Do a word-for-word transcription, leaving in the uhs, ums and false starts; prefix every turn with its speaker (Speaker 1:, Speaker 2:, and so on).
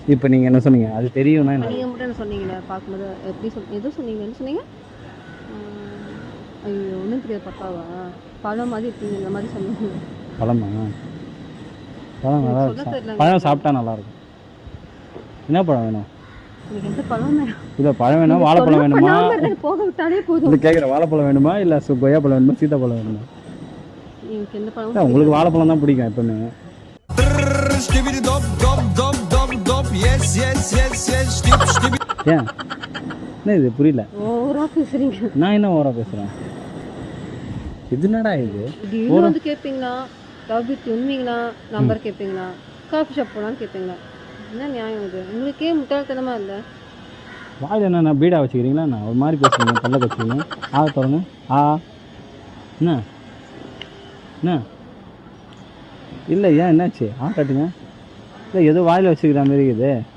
Speaker 1: இப்போ நீங்கள் என்ன சொன்னீங்க? அது தெரியும்னா என்ன?
Speaker 2: நீங்கள் மட்டும் என்ன சொன்னீங்களே பார்க்கும்போது எப்படி சொல் எதுவும் சொன்னீங்க என்ன சொன்னீங்க? ஐயோ ஒன்றும் தெரியாது பக்காவா பழம் மாதிரி இருக்கீங்க இந்த மாதிரி சொன்னீங்க.
Speaker 1: பழமா? பழம் நல்லா இருக்கும். பழம் சாப்பிட்டா நல்லாயிருக்கும். என்ன பழம் வேணும்?
Speaker 2: எனக்கு எந்த பழம் வேணும்?
Speaker 1: இல்லை பழம் வேணும். வாழைப்பழம் வேணுமா?
Speaker 2: போக விட்டாலே போதும்.
Speaker 1: இது கேட்குற வாழைப்பழம் வேணுமா இல்லை கொய்யா பழம் வேணுமா சீத்தாப்பழம் வேணுமா?
Speaker 2: எனக்கு எந்த பழம்?
Speaker 1: உங்களுக்கு வாழைப்பழம் தான் பிடிக்கும் எப்பவுமே. ஏன் என்ன இது புரியல?
Speaker 2: ஓவரா பேசுறீங்க.
Speaker 1: நான் என்ன ஓவரா பேசுறேன்? இது என்னடா இது?
Speaker 2: டெய்லி வந்து கேட்பீங்களா? லவ் வித் உண்மைங்களா? நம்பர் கேட்பீங்களா? காஃபி ஷாப் போகலான்னு கேட்பீங்களா? என்ன நியாயம் இது? உங்களுக்கே முட்டாள்தனமா இல்லை.
Speaker 1: வாயில் என்ன பீடா வச்சுக்கிறீங்களா? நான் ஒரு மாதிரி பேசுறீங்க. பல்ல வச்சுக்கிறீங்க. ஆ தொடங்க. ஆ என்ன என்ன இல்லை ஏன் என்னாச்சு? ஆ கட்டுங்க. இல்லை ஏதோ வாயில் வச்சுக்கிற மாதிரி இருக்குது.